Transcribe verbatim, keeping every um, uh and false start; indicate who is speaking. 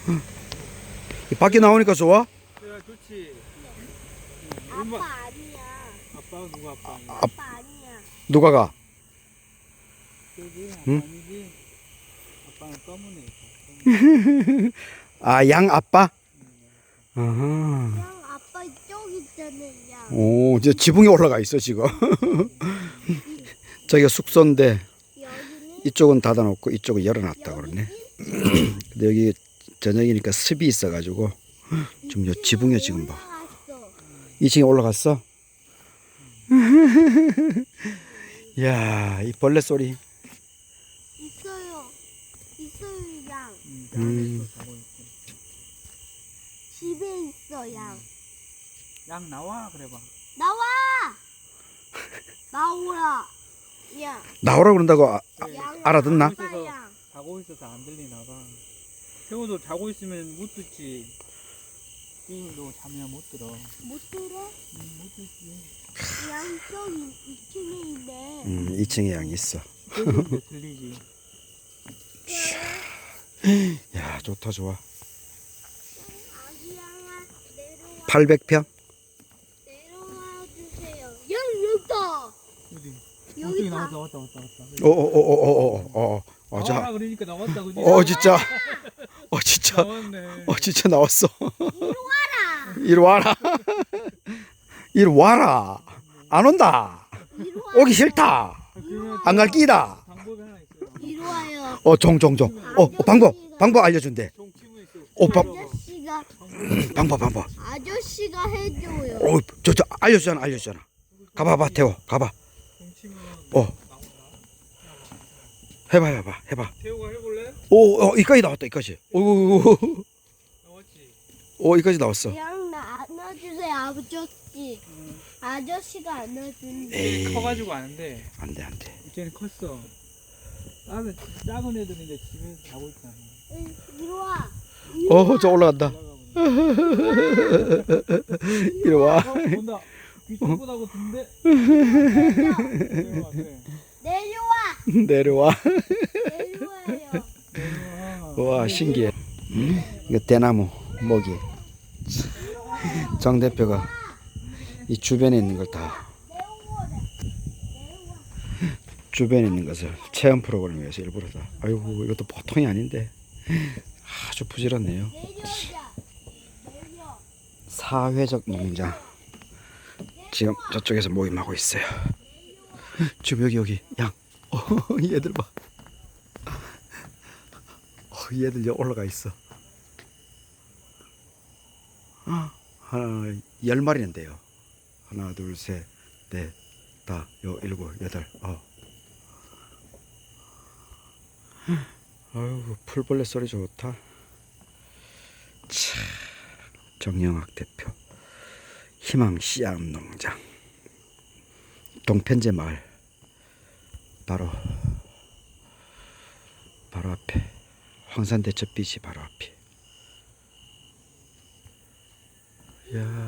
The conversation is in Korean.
Speaker 1: 밖에 나오니까 좋아?
Speaker 2: 그래 좋지.
Speaker 3: 아빠
Speaker 2: 얼마-
Speaker 3: 아니야.
Speaker 2: 아빠 누가 아빠 아니야?
Speaker 1: 아,
Speaker 3: 아빠 아니야.
Speaker 1: 누가 가?
Speaker 2: 그지? 아빠
Speaker 1: 응?
Speaker 2: 아니지? 아빠는 검은 애.
Speaker 1: 아, 양 아빠? 아하.
Speaker 3: 그냥 아빠 이쪽 있잖아요.
Speaker 1: 오, 저 지붕에 올라가 있어, 지금. 저기가 숙소인데,
Speaker 3: 여기는
Speaker 1: 이쪽은 닫아놓고 이쪽은 열어놨다 그러네. 근데 여기 저녁이니까 습이 있어가지고, 지금 요 지붕에 지금 봐.
Speaker 3: 올라갔어.
Speaker 1: 이 층에 올라갔어? 이야, 이 벌레 소리.
Speaker 3: 있어요. 있어요 양.
Speaker 1: 음.
Speaker 3: 집에 있어 양.
Speaker 2: 양 나와 그래봐.
Speaker 3: 나와. 나오라. 양.
Speaker 1: 나오라 그런다고 아,
Speaker 3: 양.
Speaker 1: 알아듣나?
Speaker 3: 아빠 양.
Speaker 2: 자고 있어서 안 들리나 봐. 태우도 자고 있으면 못 듣지. 태우도 자면 못 들어.
Speaker 3: 못 들어?
Speaker 2: 응, 못 듣지.
Speaker 3: 양쪽 이 층에 있네.
Speaker 1: 음, 이 층에 양이 있어.
Speaker 2: 태우도 들리지.
Speaker 1: 야, 좋다, 좋아.
Speaker 3: 아기 양아 내려와.
Speaker 1: 팔백 평?
Speaker 3: 내려와 주세요. 양 여기다.
Speaker 2: 어디?
Speaker 3: 여기
Speaker 2: 어디
Speaker 3: 다.
Speaker 2: 나왔다 왔다 왔다 왔다.
Speaker 1: 어, 어, 어, 어, 어, 어, 어, 어,
Speaker 2: 나와라
Speaker 1: 자.
Speaker 2: 그러니까 나왔다 그지?
Speaker 1: 어, 진짜. 어, 진짜.
Speaker 2: 나왔네.
Speaker 1: 어, 진짜 나왔어.
Speaker 3: 와라.
Speaker 1: 이리 와라. 이리 와라. 안 온다.
Speaker 3: 이리 와.
Speaker 1: 오기 싫다.
Speaker 2: 그러면
Speaker 1: 안 갈 끼다.
Speaker 2: 방법이 하나 있어요.
Speaker 3: 이리 와요.
Speaker 1: 어, 종, 종, 종. 어, 어, 방법, 방법 알려준대.
Speaker 2: 종 치고 있어.
Speaker 1: 어, 방,
Speaker 3: 아저씨가
Speaker 1: 방법, 방법.
Speaker 3: 아저씨가 해줘요.
Speaker 1: 어, 저, 저, 알려주잖아, 알려주잖아. 가봐봐, 태호, 가봐.
Speaker 2: 종 치면
Speaker 1: 어.
Speaker 2: 나온다.
Speaker 1: 해봐, 해봐, 해봐.
Speaker 2: 태호가 해볼래?
Speaker 1: 오, 어, 이까지 나왔다, 이까지. 오, 오, 오,
Speaker 2: 나왔지.
Speaker 1: 오, 이까지 나왔어.
Speaker 3: 그냥 나 안아주세요 아저씨.
Speaker 2: 응.
Speaker 3: 아저씨가 안아준대.
Speaker 1: 에이.
Speaker 2: 커가지고 아는데
Speaker 1: 안 돼, 안 돼.
Speaker 2: 이제는 컸어. 작은 작은 애들은 이제 집에서 자고 있잖아.
Speaker 3: 응, 이리 와. 이리
Speaker 1: 어,
Speaker 3: 와.
Speaker 1: 저 올라간다.
Speaker 2: 올라가면.
Speaker 1: 이리 와.
Speaker 2: 어, 본다. 귀청보다고 든데.
Speaker 3: 내려와.
Speaker 1: 내려와.
Speaker 3: 내려와요.
Speaker 1: 와, 신기해. 이거 대나무, 모기. 정 대표가 이 주변에 있는 걸 다, 주변에 있는 것을 체험 프로그램을 위해서 일부러 다. 아이고, 이것도 보통이 아닌데. 아주 부지런해요.
Speaker 3: 내려오자. 내려.
Speaker 1: 사회적 농장. 지금 저쪽에서 모임하고 있어요. 지금 여기, 여기, 양. 어, 얘들 봐. 어, 얘들 여기 올라가 있어. 아, 하나, 열 마리인데요. 하나, 둘, 셋, 넷, 다, 요, 일곱, 여덟, 어. 아유, 풀벌레 소리 좋다. 참, 정영학 대표. 희망 씨앗 농장. 동편제 마을. 바로, 바로 앞에. 황산대첩 빛이 바로 앞에. 이야.